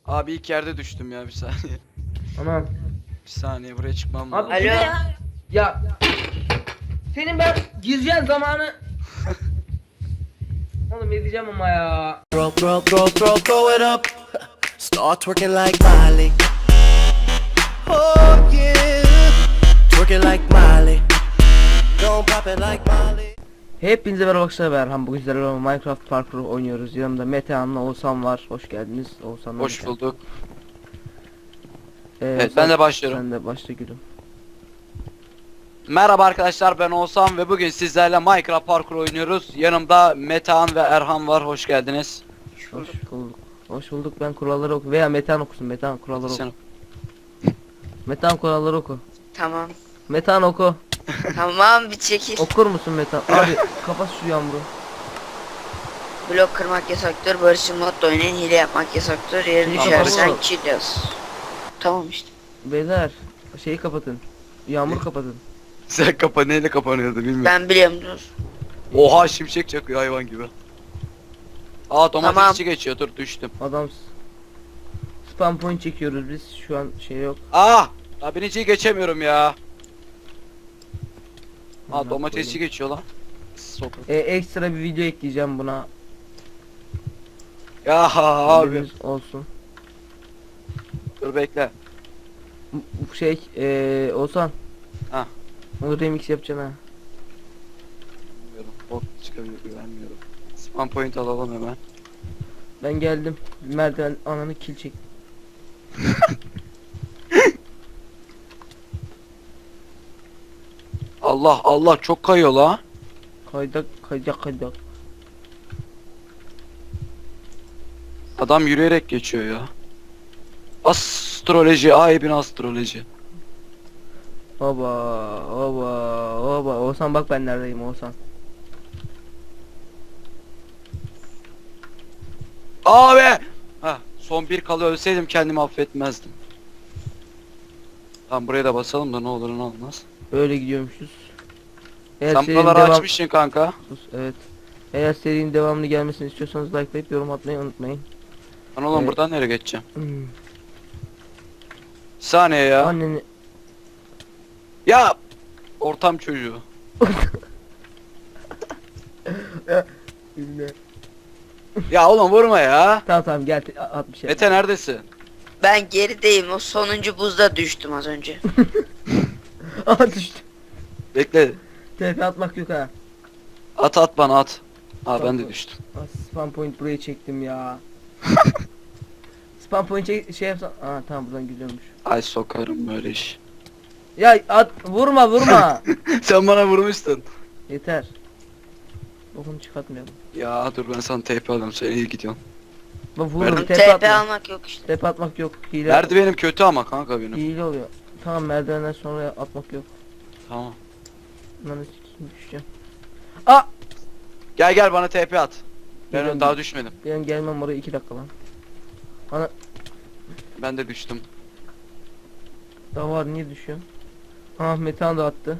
Abi ilk yerde düştüm ya, bir saniye. Anam. Bir saniye, buraya çıkmam Abi lazım. bu ne Alo. ya? Ya. Senin ben gireceğin zamanı. Oğlum edeceğim ama ya. Throw it up. Start twerking like Miley. Oh yeah. Twerking like Miley. Don't pop it like Miley. Hepinize merhaba arkadaşlar, ben Erhan. Bugün sizlerle Minecraft Parkur oynuyoruz. Yanımda Metehan'la Oğuzhan var. Hoş geldiniz Oğuzhan'la. Hoş Metehan. bulduk. Evet, Evet, ben de başlıyorum. Sen de başla gülüm. Merhaba arkadaşlar, ben Oğuzhan ve bugün sizlerle Minecraft Parkur oynuyoruz. Yanımda Metehan ve Erhan var. Hoş geldiniz. Hoş bulduk. Hoş bulduk. Ben kuralları oku veya Metehan okusun. Metehan kuralları oku. Sen... Metehan kuralları oku. Tamam. Metehan oku. Tamam, bir çekil. Okur musun Metehan? Abi kapat şu yağmuru. Blok kırmak yasaktır. Barış'ın modda oynayın. Hile yapmak yasaktır. Yere Tamam, düşersen tamam. kill yaz. Tamam işte. Beyler şeyi kapatın. Yağmur kapatın. Sen neyle kapanıyordu bilmiyorum. Ben biliyorum, dur. Oha, şimşek çakıyor hayvan gibi. Aa, domatesçi Tamam. geçiyor, dur düştüm. Adam spam point çekiyoruz biz. Şu an şey yok. Aa! Daha biniciyi geçemiyorum ya. Aa, Amına domatesçi koyayım. geçiyor lan. Sokak. Ekstra bir video ekleyeceğim buna. Ya abi. Haberiniz olsun. Dur bekle. Bu şey Oğuzhan. Ha. Onu remix yapacaksın ha. Bilmiyorum. Bot çıkabilir, güvenmiyorum. Spam point alalım hemen. Ben geldim. Merdiven ananı kill çek. Allah Allah, çok kayıyor la. Kaydak kaydak kaydak. Adam yürüyerek geçiyor ya. Astroloji, bin astroloji. Oba oba oba. Oğuzhan bak ben neredeyim Oğuzhan. Abi! Ha, son bir kalı ölseydim kendimi affetmezdim. Tamam, buraya da basalım da ne olur ne olmaz. Böyle gidiyormuşuz. Eğer Sen serinin buraları açmışsın kanka. Sus, evet. Eğer serinin devamlı gelmesini istiyorsanız likelayıp yorum atmayı unutmayın. Lan oğlum, Evet. buradan nereye geçeceğim? Hmm. Bir saniye ya. Anneni Ya! Ortam çocuğu. Ya oğlum, vurma ya. Tamam tamam gel at bir şey. Mete neredesin? Ben gerideyim. O sonuncu buzda düştüm az önce. Aha düştü. Bekle. TP atmak yok ha. At bana at. Aa, ben de Tamam. düştüm. Spam point buraya çektim ya. Spam point şey yapsan. Aa tamam buradan gidiyormuş. Ay sokarım böyle iş. Ya at vurma vurma. Sen bana vurmuştun. Yeter. Bokunu çıkartmayalım. Ya dur, ben sana TP alayım, sen iyi gidiyorsun. Bak vururum Merdiven- TP TP atma. almak yok işte. TP atmak yok. Hile. Merdivenim kötü ama kanka benim. Hile oluyor. Tamam merdivenden sonra atmak yok. Tamam. Lan sikeyim düşeceğim. Aa! Gel bana TP at. Ben Geliyorum. daha düşmedim. Benim gelmem oraya 2 dakika lan. Ana Ben de düştüm. daha var niye düşüyor? Ah Metehan da attı.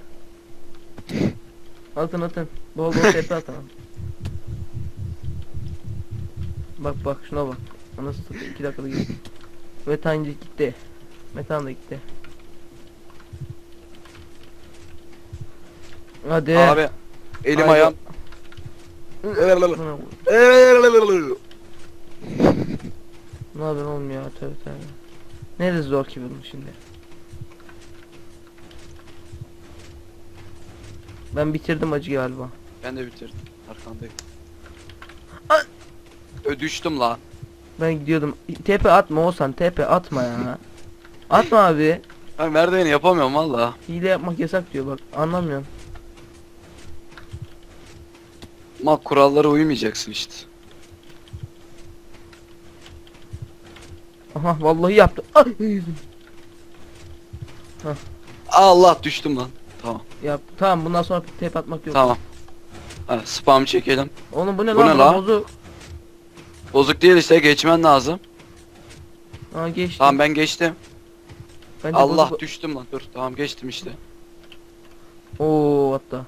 Atın. Bol bol TP atın. Bak şuna bak. Nasıl satıyor 2 dakikada gitti. Metehan gitti. Metehan da gitti. Hadi. Abi elim Haydi. ayağım. Buna vur. Ne haber oğlum ya tövbe tövbe. Neresi zor ki bunun şimdi? Ben bitirdim acı galiba. Ben de bitirdim. Arkandayım. Ay. Düştüm la. Ben gidiyordum. Tepe atma Oğuzhan tepe atma ya. Atma abi. Ben merdiveni yapamıyorum valla. Hile yapmak yasak diyor bak anlamıyorum. Ama kurallara uymayacaksın işte. Aha vallahi yaptı. Ay yüzüm. Allah, düştüm lan. Tamam. Yap. Tamam bundan sonra tepe atmak yok. Tamam. Ha, spam çekelim. Oğlum bu ne Bu lan? ne Bu lan? bozuk. Bozuk değil işte, geçmen lazım. Aa geçti. Tamam, ben geçtim. Bence Allah, bozuk. düştüm lan. Dur tamam, geçtim işte. Oo hatta.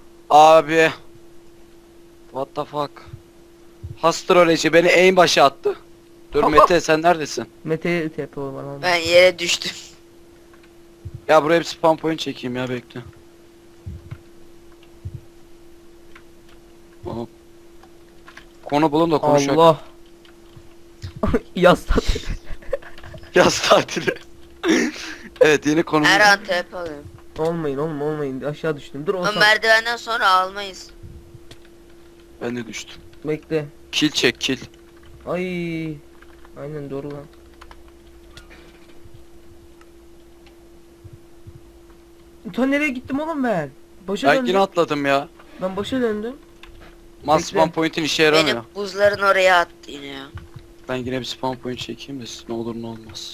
Abi. What the fuck. Astroloji beni en başa attı. Dur Mete sen neredesin? Mete'ye TP bana. Ben yere düştüm. Ya buraya bir spam point çekeyim ya bekle. Hop. Konu bulun da konuşalım. Allah. Yaz tadı. Yaz tatili. Evet yeni konumuz. Her an TP alıyorum. Olmayın oğlum olmayın. Aşağı düştüm. Dur Ama olsan. merdivenden sonra almayız. Ben de düştüm. Bekle. Kill çek kill. Ay. Aynen doğru lan. Ta nereye gittim oğlum ben? Başa Ben döndüm. yine atladım ya. Ben başa döndüm. Mas Bekle. spam point'in işe yaramıyor. Benim buzların oraya attı yine ya. Ben yine bir spam point çekeyim de ne olur ne olmaz.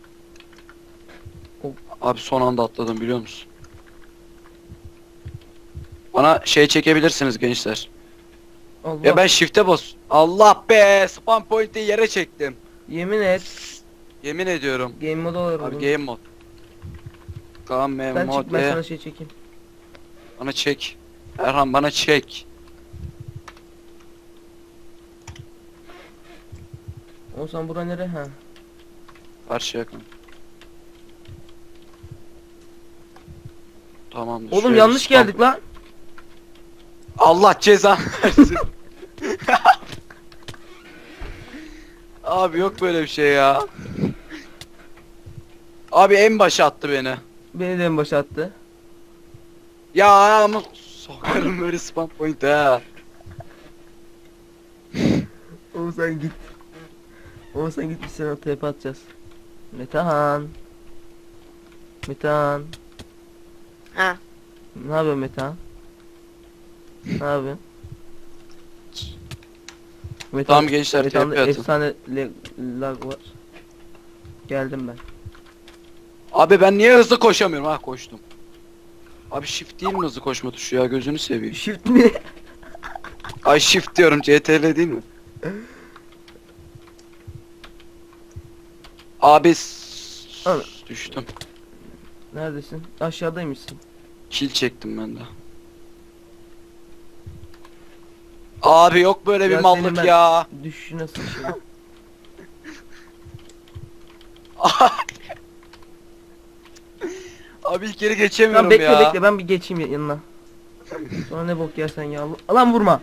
Hop. Abi son anda atladım biliyor musun? Bana şey çekebilirsiniz gençler. Allah. Ya ben shift'e bas. Allah be spam point'i yere çektim. Yemin et. Yemin ediyorum. Game mode olur Abi oğlum. game mod. Game Sen mod çık ben ve sana şey çekeyim. bana çek. Erhan bana çek. Olsan bura nere ha? Karşı yakın. Tamamdır. Oğlum şöyle yanlış spam- geldik lan. Allah cezanı versin. Abi yok böyle bir şey ya. Abi en başa attı beni. Beni de en başa attı. Ya ama sokarım böyle spam point ha. Oğuzhan git. Oğuzhan git biz sana TP atacağız. Metehan. Metehan. Ha. Ne yapıyorsun Metehan? Ne yapıyorsun? Metehan, Tamam gençler, Metehan'da TP atın. efsane lag var. Geldim ben. Abi ben niye hızlı koşamıyorum ha koştum. Abi shift değil mi hızlı koşma tuşu ya gözünü seveyim. Shift mi? Ay shift diyorum CTRL değil mi? Abi Abi. düştüm. Neredesin? Aşağıdaymışsın. Kill çektim ben de. Abi yok böyle bir Ya senin mallık ben- ya. Düşüşü nasıl şey? Abi ilk geri geçemiyorum Lan bekle ya. bekle ben bir geçeyim yanına. Sonra ne bok yersen ya. Lan vurma.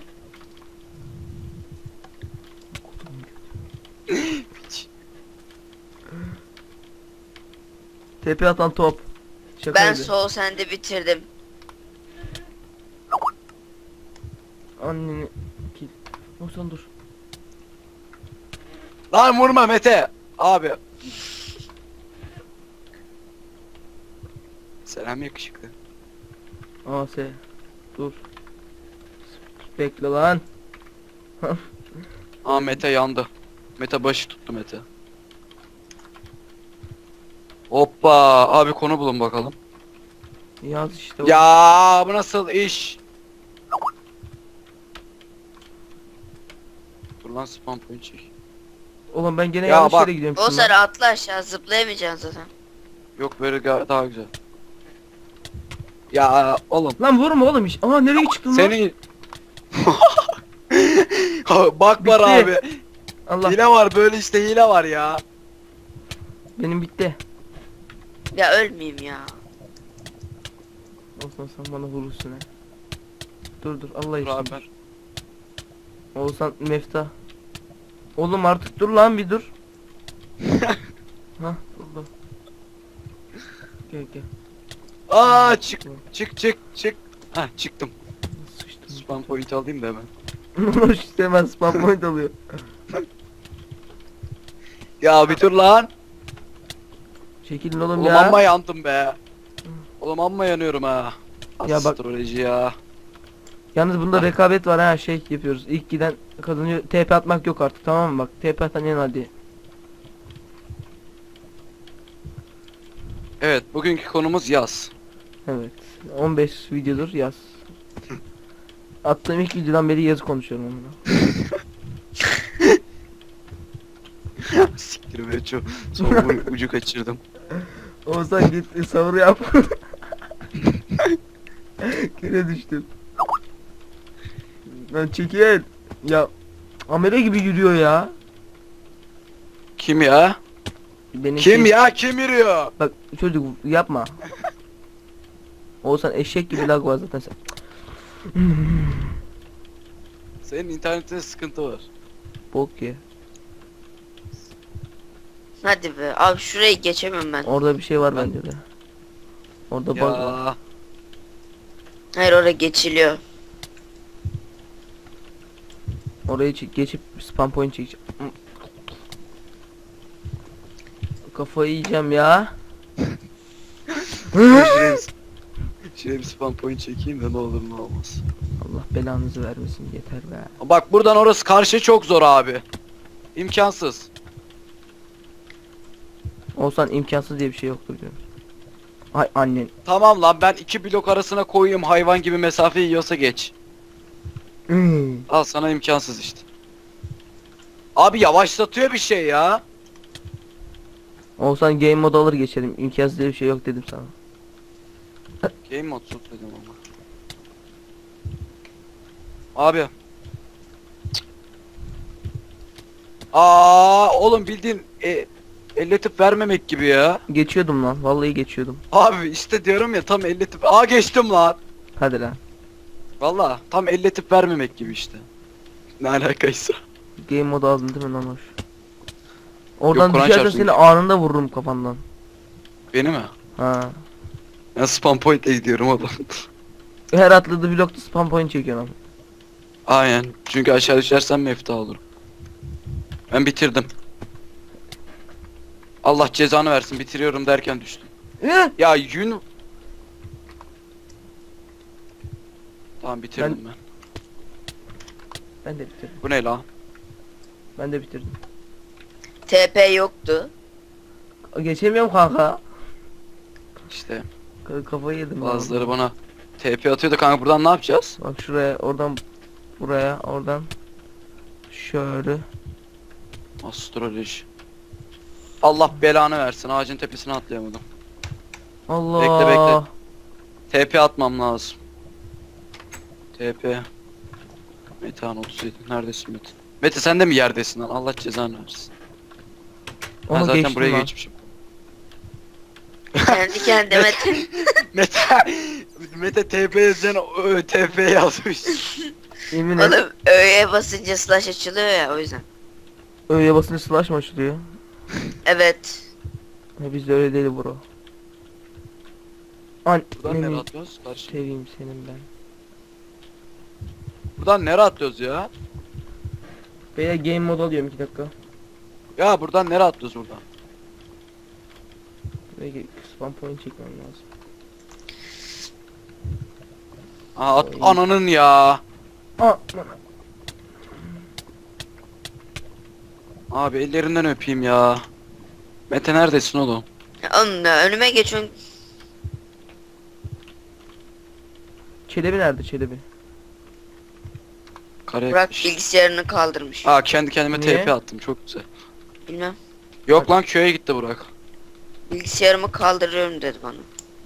TP atan top. Ben Şakaydı. sol sende bitirdim. Anneni kill. Olsan dur. Lan vurma Mete. Abi. Selam yakışıklı. AS. Dur. Bekle lan. Aa Mete yandı. Mete başı tuttu Mete. Hoppa abi konu bulun bakalım. Yaz işte. Ya bu nasıl iş? Dur lan spam point çek. Oğlum ben gene Ya yanlış bak. yere gidiyorum O şimdi. sarı atla aşağı zıplayamayacaksın zaten. Yok böyle daha güzel. Ya oğlum Lan vurma oğlum iş. Aa nereye çıktın lan? seni bak var Bitti. abi. Allah Hile var böyle işte hile var ya. benim bitti. Ya ölmeyeyim ya. Olsan sen bana vurursun ha. Dur Allah Dur için. abi ben. Olsan mefta. Oğlum artık dur lan bir dur. Hah dur. Gel. Aa çık çık. Heh çıktım. Sıçtım. Spam point alayım da hemen. İşte hemen spam point alıyor. Ya bir dur lan. Çekilin oğlum Oğlum ya. amma yandım be. Oğlum amma yanıyorum ha. Ya bak- Astroloji ya. Yalnız bunda rekabet var ha şey yapıyoruz. İlk giden kazanıyor. TP atmak yok artık tamam mı bak. TP atan yan hadi. Evet bugünkü konumuz yaz. Evet. 15 videodur yaz. Attığım ilk videodan beri yazı konuşuyorum onunla. Siktir be çok son ucu kaçırdım. Oğuzhan git savur yap. Gene düştüm. Lan çekil. Ya amele gibi yürüyor ya. Kim ya? Benim Kim şey- ya? Kim yürüyor? Bak çocuk yapma. Oğuzhan eşek gibi lag var zaten sen. Senin internetinde sıkıntı var. Bok ye. Hadi be. Abi şurayı geçemem ben. Orada bir şey var Ben- bence de. Orada bug var. Ya. Hayır oraya geçiliyor. Orayı geçip spam point çekeceğim. Kafayı yiyeceğim ya. Şuraya bir spam point çekeyim de ne olur ne olmaz. Allah belanızı vermesin yeter be. Bak buradan orası karşı çok zor abi. İmkansız. Olsan imkansız diye bir şey yoktur diyorum. Ay annen. Tamam lan ben 2 blok arasına koyayım hayvan gibi mesafe yiyorsa geç. Al sana imkansız işte. Abi yavaşlatıyor bir şey ya. Olsan game mode alır geçelim. İmkansız diye bir şey yok dedim sana. Game mode tut dedim ama. Abi. Cık. Oğlum bildiğin elletip vermemek gibi ya. Geçiyordum lan. Vallahi geçiyordum. Abi işte diyorum ya tam elletip geçtim lan. Hadi lan. Valla tam elletip vermemek gibi işte. Ne alakaysa. Game mode aldın değil mi lan hoş? Oradan Kur'an düşersen çarpsın. seni anında vururum kafandan. Beni mi? Ha. Ben spam point'e gidiyorum oğlum. Her atladığı blokta spam point çekiyorum abi. Aynen. Çünkü aşağı düşersem mefta olurum. Ben bitirdim. Allah cezanı versin bitiriyorum derken düştüm. Ya yün... Tamam bitirdim ben. Ben de bitirdim. Bu ne lan? Ben de bitirdim. TP yoktu. Geçemiyorum kanka. İşte Kafayı yedim. bazıları bana TP atıyordu kanka buradan ne yapacağız? Bak şuraya, oradan buraya, oradan şöyle. Astroloji. Allah belanı versin ağacın tepesine atlayamadım. Allah. Bekle, bekle. TP atmam lazım. TP. Metehan 37. Neredesin Mete? Mete sen de mi yerdesin lan? Allah cezanı versin. Ben Onu zaten geçtim buraya lan. geçmişim. Kendi kendime Mete Mete TP yazacağına TP yazmış. Yemin et. Oğlum ö'ye basınca slash açılıyor ya o yüzden. Öyle basınca slash mı açılıyor? Evet. Ya bizde öyle değil bro. An Buradan nereye Anneni atlıyoruz? Karşı. seveyim senin ben. Buradan nereye atlıyoruz ya? Beyler game mode alıyorum 2 dakika. Ya buradan nereye atlıyoruz buradan? Belki spam point çekmem lazım. Oy. Ananın ya. Aa, Abi ellerinden öpeyim ya. Mete neredesin oğlum? Oğlum da önüme geçiyorsun. Çelebi nerede Çelebi? Karaya Burak gitmiş. bilgisayarını kaldırmış. Kendi kendime Niye? TP attım çok güzel. Bilmem. Yok lan köye gitti Burak. Bilgisayarımı kaldırıyorum dedi bana.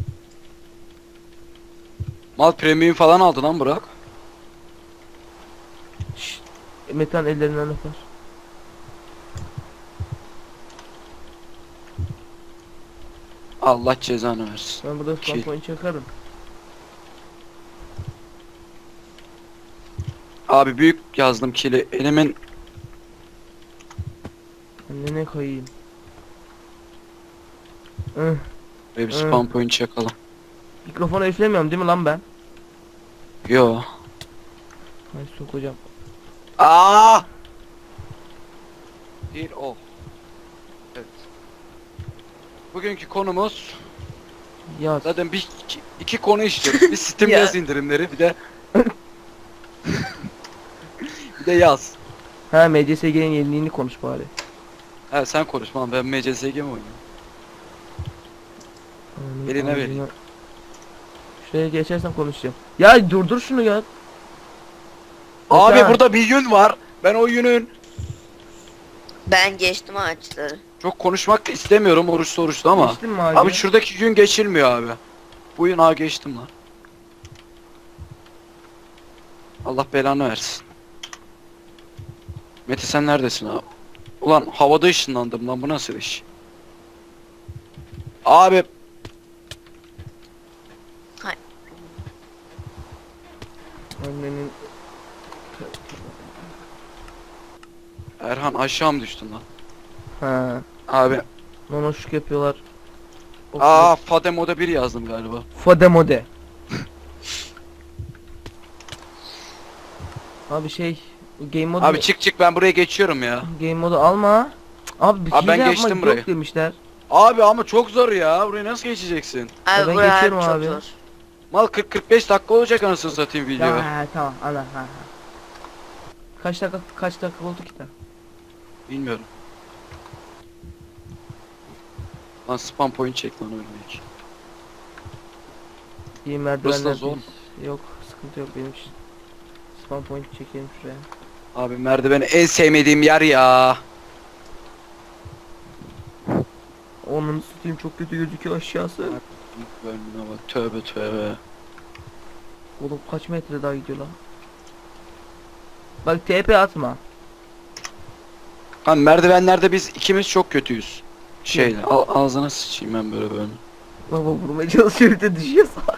Mal premium falan aldı lan Burak. Şşt. Metan ellerinden öper. Allah cezanı versin. Ben burada spam Ki- point çakarım. Abi büyük yazdım kili. Elimin Annene koyayım. ve bir spam point çakalım. Mikrofonu üflemiyorum değil mi lan ben? Yo. Ay sokacağım. Değil o. Evet. Bugünkü konumuz Yaz. zaten iki konu işliyoruz. Bir Steam Ya. yaz indirimleri bir de bir de yaz. Ha MCSG'nin yeniliğini konuş bari. He sen konuşma lan ben MCSG mi oynuyorum? Eline vereyim. Şuraya geçersem konuşacağım. Ya durdur şunu ya. Abi Metan, burada bir yün var. Ben o yünün Ben geçtim ağaçları. çok konuşmak da istemiyorum oruçlu ama. geçtin mi abi? Abi şuradaki gün geçilmiyor abi. Bu yün geçtim lan. Allah belanı versin. Mete sen neredesin abi? Ulan havada ışınlandım lan, bu nasıl iş? Abi Annenin Erhan aşağı mı düştün lan? ha. Abi Nonoşluk yapıyorlar. Fade moda 1 yazdım galiba. Fademode. Abi şey game modu Abi çık ben buraya geçiyorum ya. game modu alma. Abi bir Abi ben hile geçtim yapmak burayı. yok demişler. Abi ama çok zor ya. Buraya nasıl geçeceksin? Abi ben buraya geçiyorum çok abi. zor. Mal 40-45 dakika olacak anasını satayım video. Ya tamam ana ha. Kaç dakika oldu ki da? Bilmiyorum. Lan spam point çek lan ölmek. İyi Burası da merdivenler zor. yok, sıkıntı yok benim için. Spawn point çekelim şuraya. Abi merdiveni en sevmediğim yer ya. Onun tutayım çok kötü gözüküyor aşağısı. Önüne bak, tövbe tövbe. Oğlum kaç metre daha gidiyor lan? Bak TP atma. Lan merdivenlerde biz ikimiz çok kötüyüz. Şeyle ağzına sıçayım ben böyle. Baba vurmaya çalışıyor bir de düşüyor salak.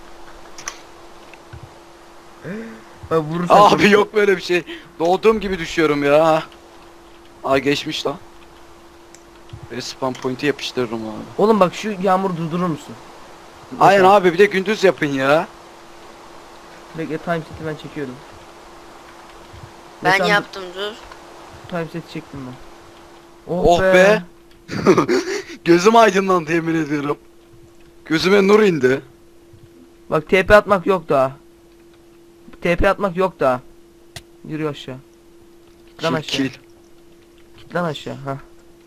Bak vurursan Abi yok böyle bir şey. Doğduğum gibi düşüyorum ya. Geçmiş lan. Ve spam point'i yapıştırırım abi. Oğlum bak şu yağmur durdurur musun? Aynen abi, bir de gündüz yapın ya. Bekle time seti ben çekiyorum. Ben Mesela yaptım dur. time seti çektim ben. Oh be. Gözüm aydınlandı yemin ediyorum. Gözüme nur indi. Bak TP atmak yok daha. TP atmak yok daha. Yürü aşağı. Git lan aşağı. Kill. Git lan aşağı ha.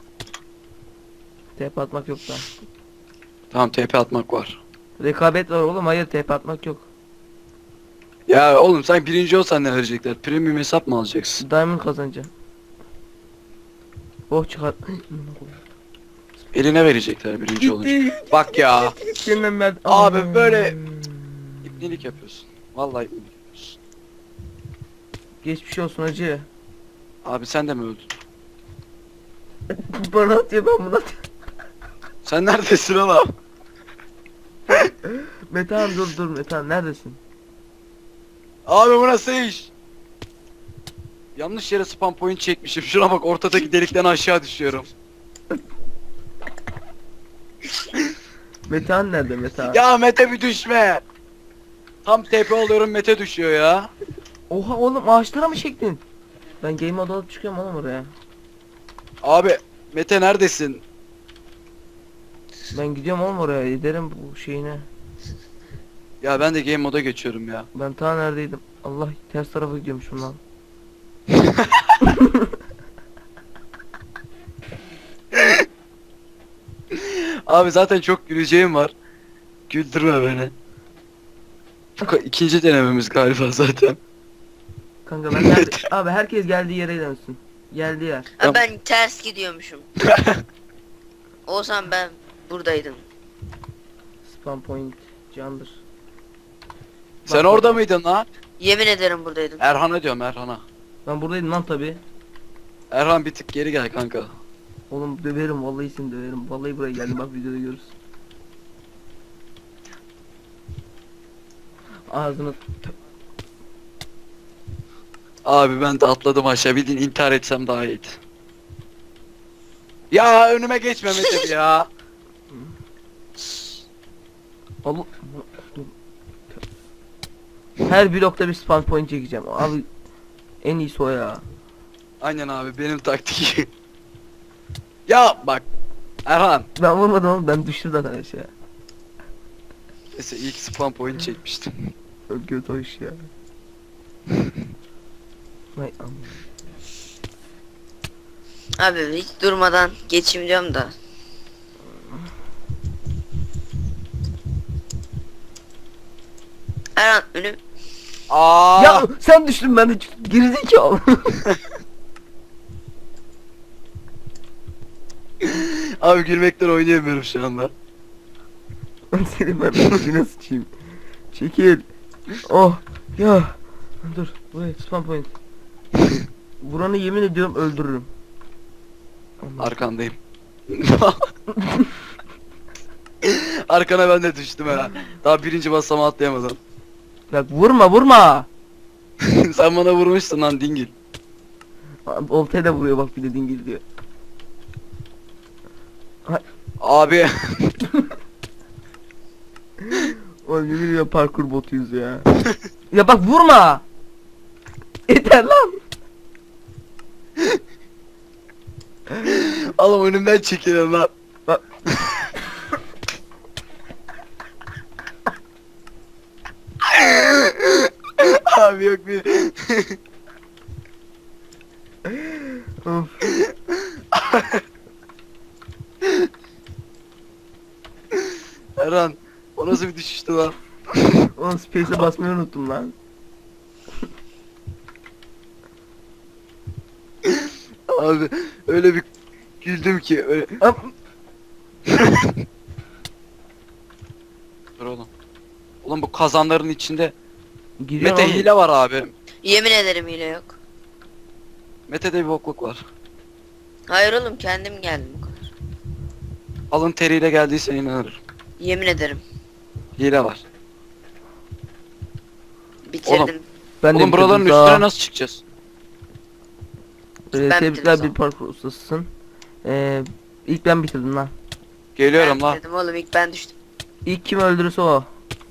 TP atmak yok daha. Tamam, TP atmak var. Rekabet var oğlum, hayır TP atmak yok. Ya oğlum sen birinci olsan ne verecekler? Premium hesap mı alacaksın? Diamond kazanacaksın. Oh çıkar. Eline verecekler birinci olunca. Bak ya. Seninle Abi böyle İpnelik yapıyorsun. Vallahi ipnelik yapıyorsun. Geçmiş olsun hacı. Abi sen de mi öldün? Bana atıyor, ben bunu atıyorum. Sen neredesin oğlum? Metehan dur Metehan neredesin? Abi bu nasıl iş? Yanlış yere spam point çekmişim. Şuna bak, ortadaki delikten aşağı düşüyorum. Metehan nerede Metehan? Ya Mete bir düşme. Tam TP oluyorum, Mete düşüyor ya. Oha oğlum ağaçlara mı çektin? Ben game mode alıp çıkıyorum oğlum oraya. Abi Mete neredesin? Ben gidiyorum oğlum oraya, giderim bu şeyine. Ya ben de game moda geçiyorum ya. Ben ta neredeydim? Allah, ters tarafa gidiyormuşum lan. Abi zaten çok güleceğim var. Güldürme beni. İkinci denememiz galiba zaten. Kanka ben nerede? Abi herkes geldiği yere dönsün. Geldiği yer. Ha, ben ters gidiyormuşum. Olsam ben buradaydım. Spawn point candır. Sen Bak, orada bak. mıydın lan? Yemin ederim buradaydım. Erhan'a diyorum, Erhan'a. Ben buradaydım lan tabi. Erhan bir tık geri gel kanka. Oğlum döverim, vallahi seni döverim. Vallahi buraya geldim, bak videoda görürsün. Ağzını Abi ben de atladım aşağı, bildiğin intihar etsem daha iyiydi. Ya önüme geçme Mete ya. Allah. Her blokta bir spawn point çekeceğim. Abi en iyisi o ya. Aynen abi, benim taktiğim. Ya bak Erhan. Ben vurmadım oğlum, ben düştüm zaten aşağı. Neyse, ilk spam point çekmiştim. Çok kötü o iş ya. Vay aman. Abi hiç durmadan geçeyim diyorum da. Erhan önüm. Aa. Ya sen düştün, ben de gerizekalı. Abi gülmekten oynayamıyorum şu anda. Seni ben ağzına sıçayım. Çekil. Oh ya. Dur buraya spawn point. Buranı yemin ediyorum öldürürüm. Arkandayım. Arkana ben de düştüm ha. Daha birinci basamağı atlayamadım. Bak vurma. Sen bana vurmuştun lan dingil. Oltaya da vuruyor bak bir de dingil diyor. Abi. Oğlum yemin ediyorum parkur botuyuz ya. Ya bak vurma. Yeter lan. Oğlum önümden çekilin lan. Bak. Abi yok bir. Of. Erhan. O nasıl bir düşüştü lan? Oğlum space'e basmayı unuttum lan. Abi öyle bir güldüm ki. Öyle... Hop. Dur oğlum. Oğlum bu kazanların içinde Giriyor Mete oğlum. hile var abi. Yemin ederim hile yok. Mete'de bir bokluk var. Hayır oğlum kendim geldim bu kadar. Alın teriyle geldiyse inanırım. Yemin ederim. Hile var. Bitirdim. Ben de Oğlum buraların bitirdim. üstüne nasıl çıkacağız? Ben Tebrikler bitirdim bir parkur ustasısın. İlk ben bitirdim lan. Geliyorum Ben lan. bitirdim oğlum ilk ben düştüm. İlk kim öldürürse o.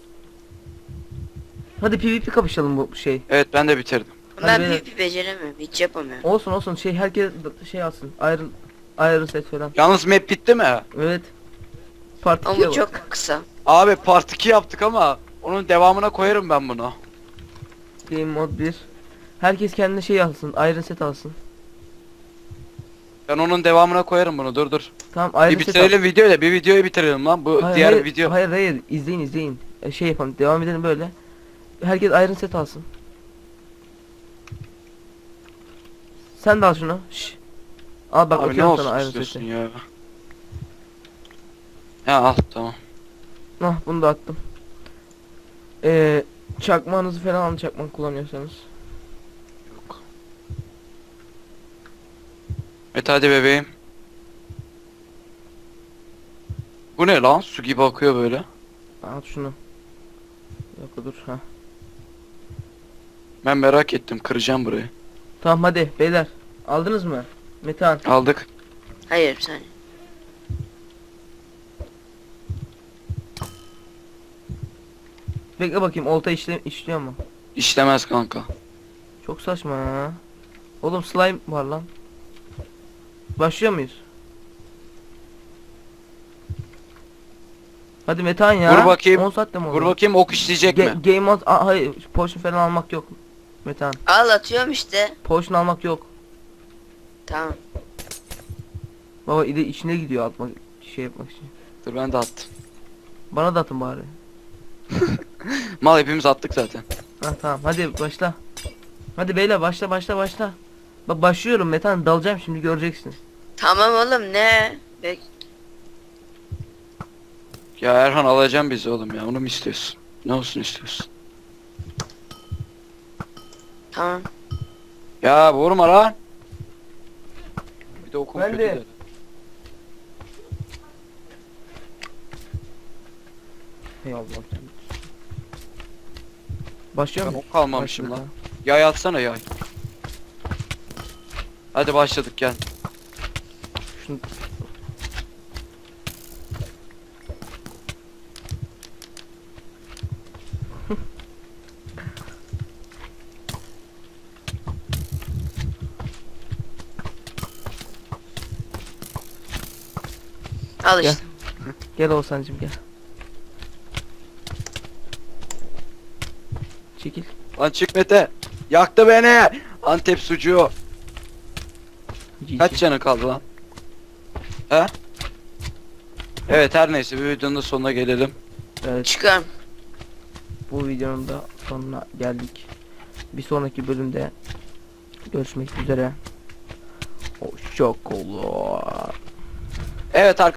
Hadi PvP kapışalım bu şey. Evet ben de bitirdim. Hadi Ben beyler. PvP beceremiyorum. Hiç yapamıyorum. Olsun şey herkes şey alsın. Iron set falan. Yalnız map bitti mi? Evet. Part Ama 2'ye bu bak. çok kısa. Abi part 2 yaptık ama onun devamına koyarım ben bunu. Game mod 1. Herkes kendine şey alsın. Iron set alsın. Ben onun devamına koyarım bunu. Dur. Tamam Iron Bir set al. bitirelim videoyu da bir videoyu bitirelim lan. Bu diğer video. Hayır izleyin. Şey yapalım devam edelim böyle. Herkes Iron set alsın. Sen de al şunu. Şş. Al bak Abi ne atıyorum olsun sana Iron istiyorsun seti. ya. Ya al tamam. Ah bunu da attım. Çakmağınızı falan alın çakmak kullanıyorsanız. Yok. Mete hadi bebeğim. Bu ne lan? Su gibi akıyor böyle. Al şunu. Yok dur ha. Ben merak ettim. Kıracağım burayı. Tamam hadi beyler. Aldınız mı? Metehan. Aldık. Hayır bir saniye. Bekle bakayım olta işliyor mu? İşlemez kanka. Çok saçma ya. Oğlum slime var lan. Başlıyor muyuz? Hadi Metehan ya. Vur bakayım. 10 saatte mi oldu? Vur bakayım ok işleyecek mi? Game mod hayır potion falan almak yok. Metehan. Al atıyorum işte. Potion almak yok. Tamam. Baba içine gidiyor atmak şey yapmak için. Dur ben de attım. Bana da atın bari. Mal hepimiz attık zaten. Ha tamam hadi başla. Hadi beyler başla. Bak başlıyorum Metehan dalacağım şimdi göreceksin. Tamam oğlum ne? Ya Erhan alacağım bizi oğlum ya. Onu mu istiyorsun? Ne olsun istiyorsun? Tamam. Ya vurma lan. Bir de okum Ben kötü de. de. Hey Allah. Başlıyor Ben mu? ok kalmamışım Başladı, lan. ha. Yay atsana yay. Hadi başladık gel. Şunu... Al Gel. işte. Gel Oğuzhan'cım gel. Çekil. Lan çık Mete. Yaktı beni. Antep sucuğu. Kaç canı kaldı lan? He? Evet her neyse bir videonun da sonuna gelelim. Evet Çıkıyorum. bu videonun da sonuna geldik. Bir sonraki bölümde görüşmek üzere. Hoşça kalın. Evet arkadaşlar.